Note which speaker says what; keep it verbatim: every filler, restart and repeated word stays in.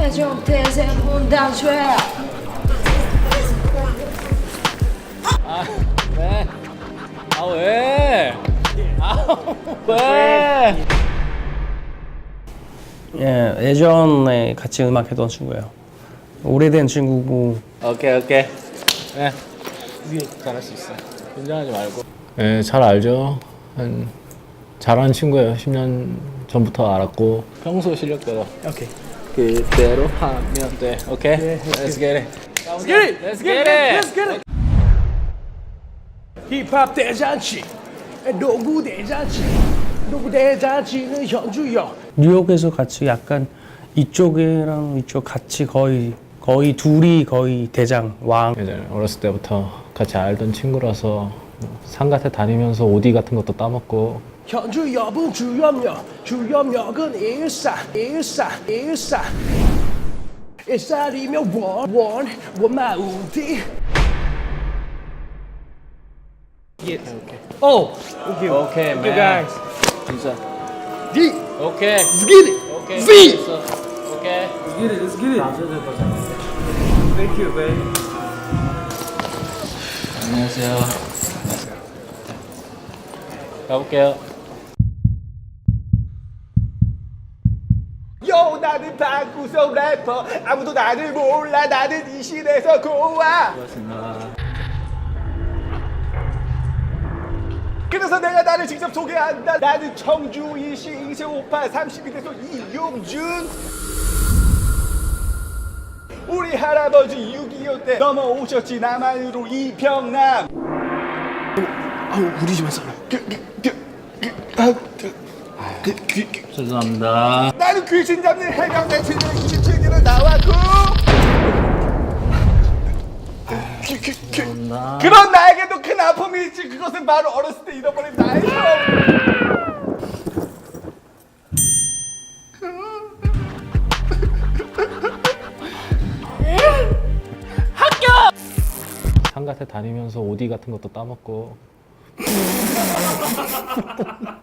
Speaker 1: 태종 태세 분단죄.
Speaker 2: 아 왜? 아 왜? 아 왜?
Speaker 3: 예, 예전에 같이 음악 했던 친구예요. 오래된 친구고.
Speaker 2: 오케이 오케이. 네. 잘할 수 있어. 긴장하지 말고. 네, 잘 알죠. 한 잘하는 친구예요. 십 년 전부터 알았고 평소 실력대로.
Speaker 3: 오케이.
Speaker 2: 그대로 하면 돼. 오케이. Let's get it. Let's get it. Let's get it. Let's get it.
Speaker 4: 힙합 대잔치, 농구 대잔치, 농구 대잔치는 현주요.
Speaker 3: 뉴욕에서 같이 약간 이쪽이랑 이쪽 같이 거의 거의 둘이 거의 대장 왕.
Speaker 2: 예전에 어렸을 때부터 같이 알던 친구라서 상가에 다니면서 오디 같은 것도 따먹고.
Speaker 4: 현주역은 주염역, 주염역은 일산, 일산, 일산. 일산이면 원, 원, 원마우디.
Speaker 2: 오. 오케이 오케이 man.
Speaker 4: guys.
Speaker 2: 진짜.
Speaker 4: D,
Speaker 2: 오케이.
Speaker 4: let's get it.
Speaker 2: 오케이.
Speaker 4: V.
Speaker 2: 오케이. 안녕하세요. 가볼게요.
Speaker 4: 요, 나는 방구석 래퍼. 아무도 나를 몰라. 나는 이 시대에서 고와. 그래서 내가 나를 직접 소개한다. 나는 청주 이시 이세오파 삼십이 대소 이용준. 우리 할아버지 육이오 때 넘어오셨지 남한으로 이평남. 아우 우리 집안 사람. 그, 그, 그, 그, 아, 그, 그, 그, 그.
Speaker 2: 죄송합니다.
Speaker 4: 나는 귀신 잡는 해병대 칠백이십칠 기로 나왔고. 그, 그, 그, 그런 나에게도 큰 아픔이 있지. 그것은 바로 어렸을 때 잃어버린 나의 삶.
Speaker 2: 상가에 다니면서 오디 같은 것도 따먹고.